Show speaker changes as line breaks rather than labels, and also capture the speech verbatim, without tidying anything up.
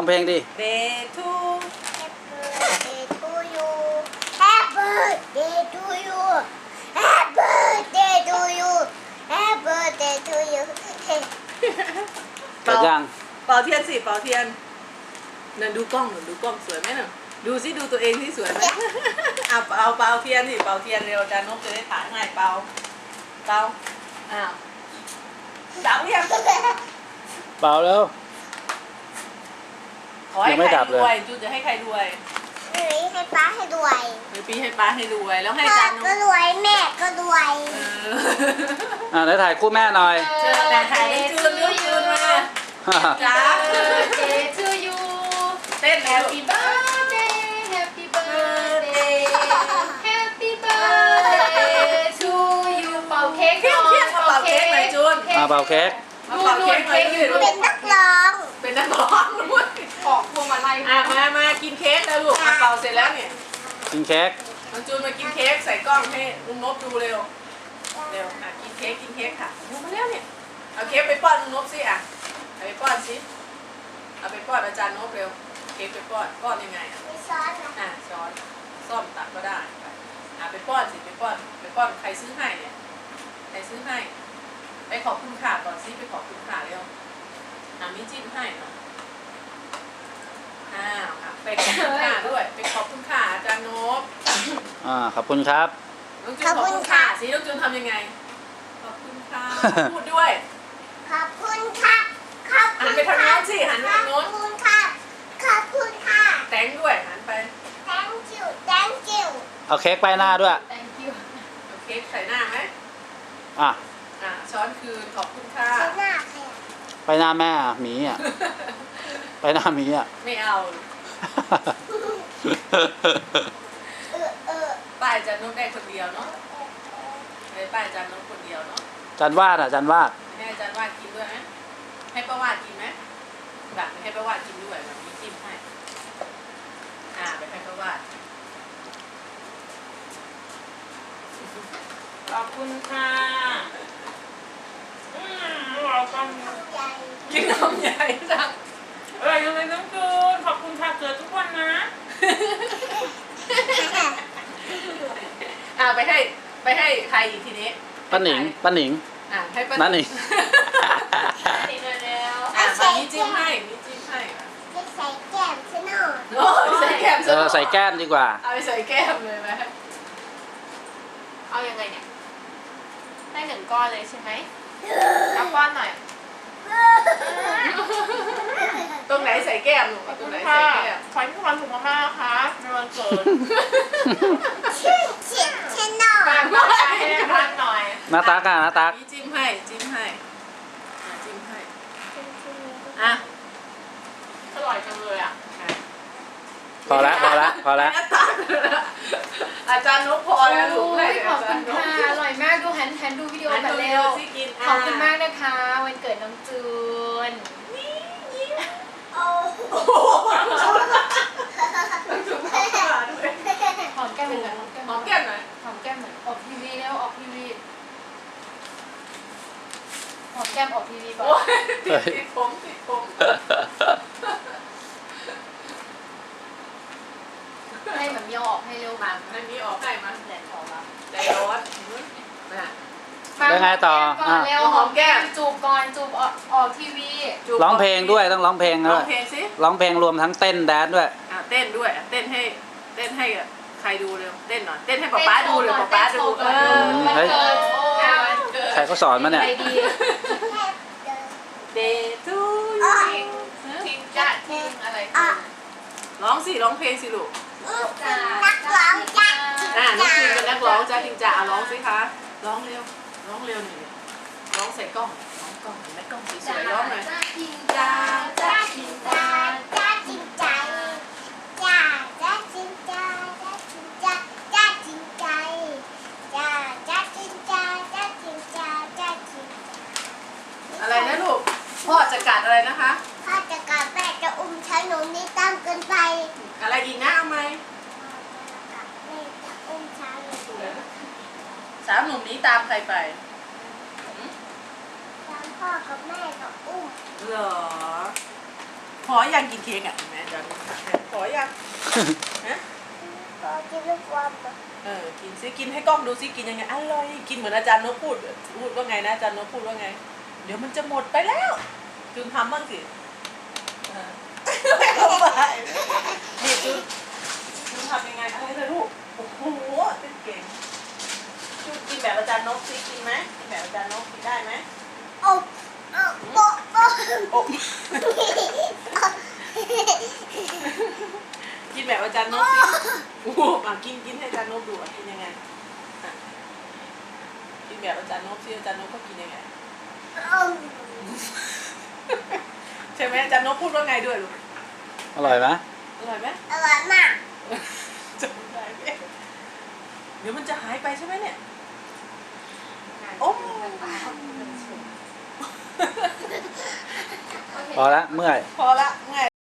องเพลงดิ
Day to
Happy birthday to you Happy birthday to you Happy birthday to you Happy birthday to you
เปิดยัง
เป่าเทียนสิเป่าเทียนนั่นดูกล้องหนูดูกล้องสวยไหมน่ะดูสิดูตัวเองที่สวยไหม อ่ะเป่าเป่าเทียนสิเป่าเทียนเร็วอาจารย์นกจะได้ถ่ายง่ายเป่าเป่าอ้าวดับหรือยัง
เปล่าแล้ว
ขอให้
ยังไม่
ใคร
ดับ
ร
เลย
วยจูจะให้ใครรวย
หรือให้ป้าให้รวย
หรือปีให้ป้าให้รวยแล้วให้
พ่อ
อาจารย์นก
ก็รวยแม่ก็รวย
เออ
อ่าไหนถ่ายคู่แม่หน่อย
เจอแต่ถ่ายให้จูนจูนจูนมาจ้า
Birthday to you
เต้นแล้ว
Happy birthday Happy birthday Happy birthday to you เป่าเค้ก
เพี้ยงเพี้ยงมาเป่าเค้กหน่อยจูน
มาเป่าเค้ก
มาเป่าเค้กหน่อยด้วย
เป็นนักร้อง
เป็นนักร้องด้วย
ออกพวงมาลัย
อ่ะมามากินเค้กแล้วลูกอ่ะเป่าเสร็จแล้วเนี่ย
กินเค้ก
น้องจูนมากินเค้กใส่กล้องให้ลุงนบดูเร็วเร็วอ่ะกินเค้กกินเค้กค่ะดูมาแล้วเนี่ยเอาเค้กไปป้อนลุงนบสิอ่ะเอาไปป้อนสิเอาไปป้อนอาจารย์นบเร็วเค้กไปป้อนป้อนยังไงอ่ะ
ไม่ซ้อนนะ
อ่ะช้อนซ่อมตักก็ได้ไปอ่ะไปป้อนสิไปป้อนไปป้อนใครซื้อให้เนี่ยใครซื้อให้ไปขอบคุณค่ะก่อนสิไปขอบคุณค่ะเร็วอ่ะมีจิ้มให้เนาะอ้าวอ่ะไปขอบคุณค่ะด้วยไปขอบคุณค่ะอาจารย์นบ
อ่าขอบคุณครับ
น้องจูนขอบคุณค่ะสิน้องจูนทำยังไงขอบคุณค่ะพูดด้วย
ขอบคุณค่ะขอบ
หั
คุ
น
ณ
ไปทาง
ค่ะ
โน้นสิหันไป
ขอ
ทา
บ
งโน้น
คุณค่ะขอบคุณค่ะ
แตงด้วยหันไป
thank you thank you
เอาเค้กไปหน้าด้วย
Thank you
เอาเค้กใส่หน้าไหม
อ่ะ
อ่ะช้อนคืนขอบคุณค่ะ
ใช้หน้าใครอ่ะ
ไปหน้าแม่อ่ะหมีอ่ะ ไปหน้าหมีอ่ะ
ไม่เอา
เออเออ
ป้ายจันนุกได้คนเดียวเนาะให้ป้ายจันนุกคนเดียวเนาะ
จันวาดอ่ะจันวาด
ให้อาจารย์วาดกินด้วยไหมให้ป้าวาดกินไหมแบบให้ป้าวาดกินด้วยแบบนี้จิ้มให้อ่าไปให้ป้าวาด
ขอบคุณค่ะอืมเราต้อง
ใหญ่
กินนมใหญ่จัง
อร่อยจังเลยน้องจูนขอบคุณค่ะเกิดทุกวันนะ
อ่าไปให้ไปให้ใครอีกทีนี้
ป้าหนิงป้าหนิง
อ่าให้ป้า
นั่นนี่
ติดแล้ว
อ่ามามีจิ้มให้มีจิ้มให้
ไม่ใส่แก้มใช่ไหม
โอ้ยใส่แก้ม
เออใส่แก้มดีกว่า
เอาไปใส่แก้มเลยไหม
เอายังไงเนี่ยได้หนึ่งก้อนเลยใช่ไหมเอาก้อนหน่อย
ตรงไหนใส่แก้มลูก
ขอบ
ตร
คุ
ง
ณ
ไหน
ค่ะ
ใส่แก้ม
ขอให้มีความสุขมากๆนะคะในวันเกิด
ชื่อเฉียดใช่ไหม
ฝากกดไลค์ให้ทานหน่อย
หน้าตักอ่ะหน้าตัก
มีจิ้มให้จิ้มให้อ่ะจิ้มให้อ่ะ
อร่อยจังเลยอ่ะ
พอละพอละพอละ
หน้าตาอาจารย์นกพอแล้วลูกให้
ขอบคุณค่ะอร่อยมากดูแฮนแฮนดูวิดีโอ
อัน
กัน
เร็
เร็
ว
ว
สิกิน
ขอบคุณมากนะคะ วันเกิดน้องจูน
โอ้
โอ้โหจุ๊บเข้ามาด้วย
หอมแก้มเหมือนกันหอมแก้ม
หอมแก้มหน่อย
หอมแก้มเหมือนออกทีวีแล้วออกทีวีหอมแก้มออกทีวีก่อน
โอ้ยติดติดผมติดผม
ให้เหมือนมีเอาออกให้เร็ว
มา
มา
อันนี้ออกให้มา
แดดออกแล้ว
ใจร้อนนะ
แล้วไงต่อ
ก่อนเร็ว
หอมแก้ม
จูบก่อนจูบออกออกทีวี
จูบ
ร้องเพลงด้วยต้องร้องเพลง
ร้
ด้
อ
ว
ง
ย
เพลงสิ
ร้องเพลงรวมทั้งเต้นแดนซ์ด้วย
อ่ะเต้นด้วยอ่ะเต้นให้เต้นให้กับใครดูเร็วเต้นหน่อยเต้นให้ป๊าป๊าดูหรือป๊าป๊าดูเออ
วัน
เฮ้ย
เกิดอ้าววันเกิด
ใครเขาสอนมาเนี่ย
ใจดี
เดทูย
ทิ้งทิ้งจ้าทิ้งอะไร
อ่ะ
ร้องสิร้องเพลงสิลูก
นักร้องจัก
อ่ะน้องพิมเป็นนักร้องจ้าทิงจ่าอ่ะร้องสิคะร้องเร็วร้องเร็วหน่อยร้องใส่กล้องร้องกล้องเห็นไหมกล้องสวยๆร้องหน่อย
จ้าทิ้ง
จ้า
จ้า
จ้า
จ้า
จริ
ทิ้
ง
ง
จ้า
จ้า
จ้าจริงใจจ้าจ้าจริงจ้าจ้าจริงจ้าจ้าจริงใจจ้าจ้าจริงจ้าจ้าจริงจ้าจ้าจริง
อะไรนะลูกพ่อจะกัดอะไรนะคะ
พ่อจะกลับแม่จะอุ้มฉันหนูนี่ตั้งเกินไป
อะไรอีกนะเอาไหม
แม่จะอุ้มฉัน
สามหนุ่มนี้ตามใครไป
ตามพ่อกับแม่ก็อุ้ม
เหรอพอยังกินเค้กอ่ะแม่จะพอยังฮะ
ขอกินลูกบอล
เออกินซิกินให้กล้องดูซิกินยังไงอร่อยกินเหมือนอาจารย์นกพูดพูดว่าไงนะอาจารย์นกพูดว่าไง เดี๋ยวมันจะหมดไปแล้วจุนทำบ้างสิเออไม่เอาไปนี่จุนจุนทำยังไงอะไรเลยลูกโอ้โหเป็นเก่งจุนกินแบบอาจารย์นกซิกินไหมกินแบบอาจารย์นกกินได้ไหม
โอ้โอ้โอ้โอ้
โอ้กินแบบอาจารย์นกสิโอ้โหอ่ะกินกินให้อาจารย์นกดูอ่ะกินยังไงอ่ะกินแบบอาจารย์นกสิอาจารย์นกก็กินยังไงใช่ไหมอาจารย์นกพูดว่าไงด้วยลูก
อร่อยไหม
อร่อยไหม
อร่อยมาก
จำได้ไหมเดี๋ยวมันจะหายไปใช่ไหมเนี่ยโอ้
พอละเมื่อย
พอละไง